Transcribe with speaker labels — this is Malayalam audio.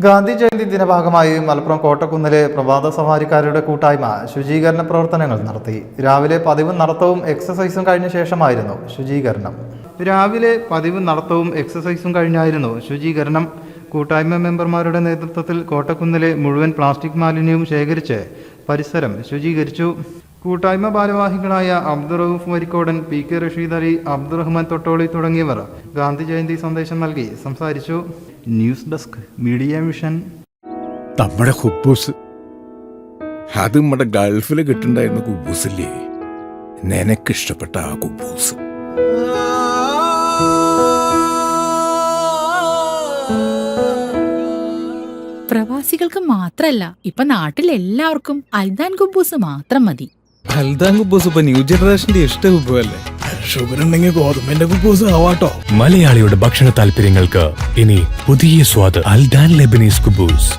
Speaker 1: ഗാന്ധി ജയന്തി ദിനഭാഗമായി മലപ്പുറം കോട്ടക്കുന്നിലെ പ്രഭാത സവാരിക്കാരുടെ കൂട്ടായ്മ ശുചീകരണ പ്രവർത്തനങ്ങൾ നടത്തി. രാവിലെ പതിവ് നടത്തവും എക്സസൈസും കഴിഞ്ഞ ശേഷമായിരുന്നു ശുചീകരണം. കൂട്ടായ്മ മെമ്പർമാരുടെ നേതൃത്വത്തിൽ കോട്ടക്കുന്നിലെ മുഴുവൻ പ്ലാസ്റ്റിക് മാലിന്യവും ശേഖരിച്ച് പരിസരം ശുചീകരിച്ചു. കൂട്ടായ്മ ഭാരവാഹികളായ അബ്ദുറൌഫ് വരിക്കോടൻ, പി കെ റഷീദ് അലി, അബ്ദുറഹ്മാൻ തൊട്ടോളി തുടങ്ങിയവർ ഗാന്ധി ജയന്തി സന്ദേശം നൽകി സംസാരിച്ചു. News desk media vision.
Speaker 2: നമ്മുടെ കുബൂസ് അത് നമ്മുടെ ഗൾഫിൽ കിട്ടുണ്ടായിരുന്ന കുബൂസില്ലേ, നിനക്കിഷ്ടപ്പെട്ട ആ കുബൂസ്.
Speaker 3: പ്രവാസികൾക്ക് മാത്രല്ല, ഇപ്പൊ നാട്ടിലെല്ലാവർക്കും അൽദാൻ കുബൂസ് മാത്രം മതി.
Speaker 4: അൽദാൻ കുബൂസ് ഇപ്പൊ ന്യൂ ജനറേഷന്റെ ഇഷ്ട കുബുവല്ലേ.
Speaker 2: ഷുഗർ ഉണ്ടെങ്കിൽ ഗോതമ്പിന്റെ കുബൂസ് ആവാട്ടോ.
Speaker 5: മലയാളിയുടെ ഭക്ഷണ താല്പര്യങ്ങൾക്ക് ഇനി പുതിയ സ്വാദ്. അൽദാൻ ലെബനീസ് കുബൂസ്.